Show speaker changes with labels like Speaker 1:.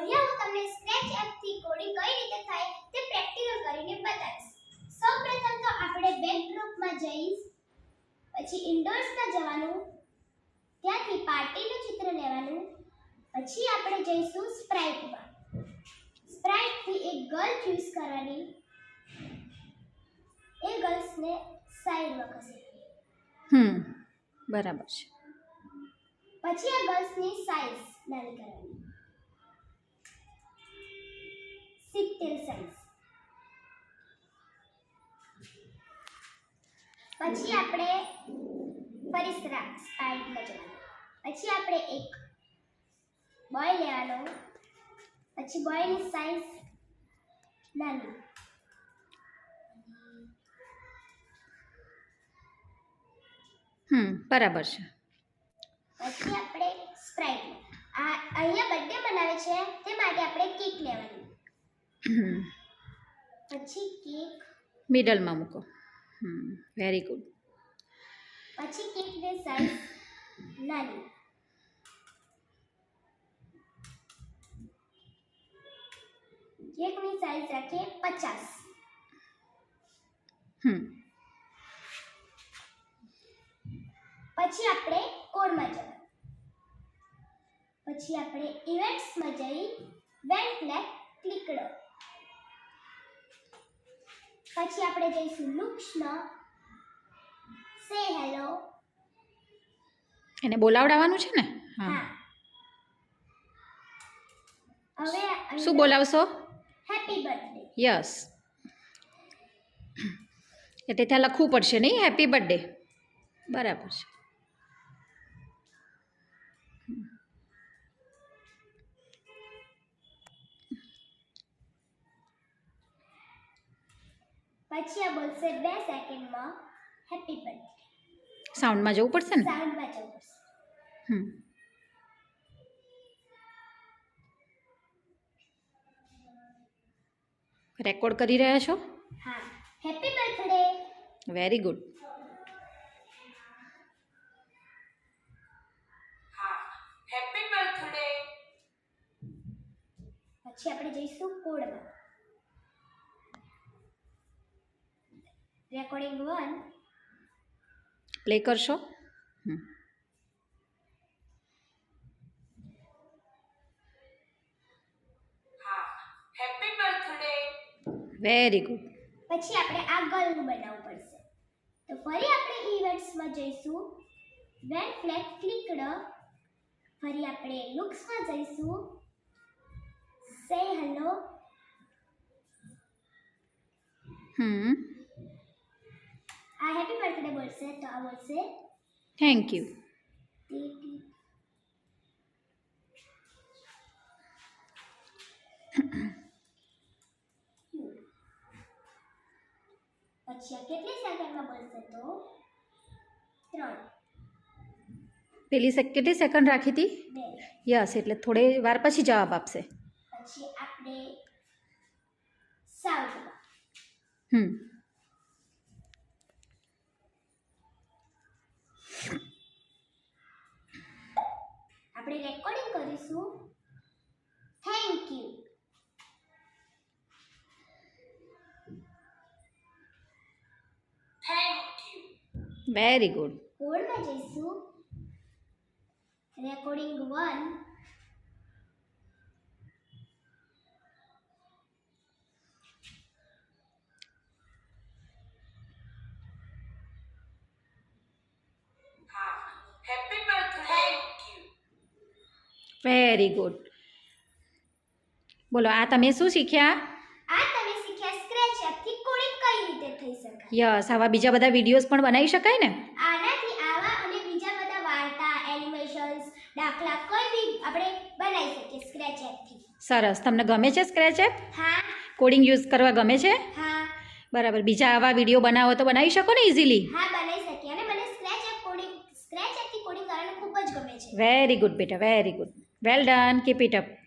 Speaker 1: અહીંયા હું તમને સ્ક્રેચ એપથી કોડિંગ કઈ રીતે થાય તે પ્રેક્ટિકલ કરીને બતાવીશ. સૌપ્રથમ તો આપણે બેકડ્રોપમાં જઈશ, પછી ઇન્ડોર્સમાં જવાનું, ત્યાંથી પાર્ટીનું ચિત્ર લેવાનું, પછી આપણે જઈશું સ્પ્રાઇટમાં. સ્પ્રાઇટથી એક ગર્લ ચૂઝ કરવાની, એ ગર્લ્સને સાઈડમાં ખસેડવાની.
Speaker 2: બરાબર છે.
Speaker 1: પછી આ ગર્લ્સની સાઈઝ નાની કરવાની, 70 સાઈઝ. પછી આપણે ફરી સ્પ્રાઇટમાં જવાનું, પછી આપણે એક બોય લેવાનો, પછી બોયની સાઈઝ નાની,
Speaker 2: બરાબર છે.
Speaker 1: પછી આપણે સ્પ્રાઇટ અહીંયા બર્થડે મનાવે છે તે માટે આપણે કેક લેવાની, પછી કેક
Speaker 2: મિડલમાં મૂકો. Very good.
Speaker 1: પછી કેકની સાઈઝ નાની, કેકની સાઈઝ રાખીએ 50. પછી આપણે કોડમાં જવાનું, પછી આપણે ઇવેન્ટ્સમાં જઈ વેન ફ્લેગ ક્લિક કરો. પછી આપણે જઈશું લુક્સમાં, સે હેલો.
Speaker 2: એને બોલાવડાવવાનું છે ને?
Speaker 1: હા. હવે
Speaker 2: શું બોલાવશો?
Speaker 1: Happy birthday.
Speaker 2: યસ. એટલે ત્યાં લખવું પડશે નહીં હેપી બર્થડે. બરાબર છે.
Speaker 1: પછી આ બોલશે 2 સેકન્ડમાં હેપી બર્થડે.
Speaker 2: સાઉન્ડમાં જવું પડશે ને?
Speaker 1: સાઉન્ડમાં જવું પડશે.
Speaker 2: રેકોર્ડ કરી રહ્યા છો?
Speaker 1: હા. Happy birthday.
Speaker 2: Very good.
Speaker 3: હા, હેપી બર્થડે.
Speaker 1: પછી આપણે જઈશું કોડમાં. રેકોર્ડિંગ 1
Speaker 2: પ્લે કરશો?
Speaker 3: હા, હેપી બર્થડે.
Speaker 2: Very good.
Speaker 1: પછી આપણે આ ગર્લનું બનાવવું પડશે. તો ફરી આપણે ઇવેન્ટ્સમાં જઈશું, વેન ફ્લેગ ક્લિક કરો. ફરી આપણે લુક્સમાં જઈશું, સે હેલો. આ હેપી બર્થડે બોલશે તો આ બોલશે
Speaker 2: થેન્ક યુ.
Speaker 1: પછી આ કેટલી સેકન્ડમાં બોલશે તો 3.
Speaker 2: પેલી કેટલી સેકન્ડ રાખી હતી?
Speaker 1: 2.
Speaker 2: યસ, એટલે થોડી વાર પછી જવાબ આપશે.
Speaker 1: પછી આપણે સાઉન્ડમાં આપણે રેકોર્ડિંગ કરીશું, thank you.
Speaker 3: Thank you.
Speaker 2: Very good.
Speaker 1: કોડમાં જઈશું, રેકોર્ડિંગ 1
Speaker 3: હા, happy birthday. Thank you.
Speaker 2: Very good. બોલો, આ તમે શું શીખ્યા?
Speaker 1: આ તમે શીખ્યા સ્ક્રેચ એપથી કોડિંગ કઈ રીતે થઈ શકાય.
Speaker 2: યસ, આવા બીજા બધા વિડીયોઝ પણ બનાવી શકાય ને?
Speaker 1: આનાથી આવા અને બીજા બધા વાર્તા, એનિમેશન્સ, દાખલા કોઈ બી આપણે બનાવી શકીએ સ્ક્રેચ એપથી.
Speaker 2: સરસ. તમને ગમે છે સ્ક્રેચ એપ?
Speaker 1: હા.
Speaker 2: કોડિંગ યુઝ કરવા ગમે છે?
Speaker 1: હા.
Speaker 2: બરાબર. બીજા આવા વિડીયો બનાવો તો બનાવી શકો ને ઇઝીલી?
Speaker 1: હા, બનાવી શકીએ. અને મને સ્ક્રેચ એપથી કોડિંગ કરવાનું ખૂબ જ ગમે છે.
Speaker 2: વેરી ગુડ બેટા, very good. Well done. Keep it up.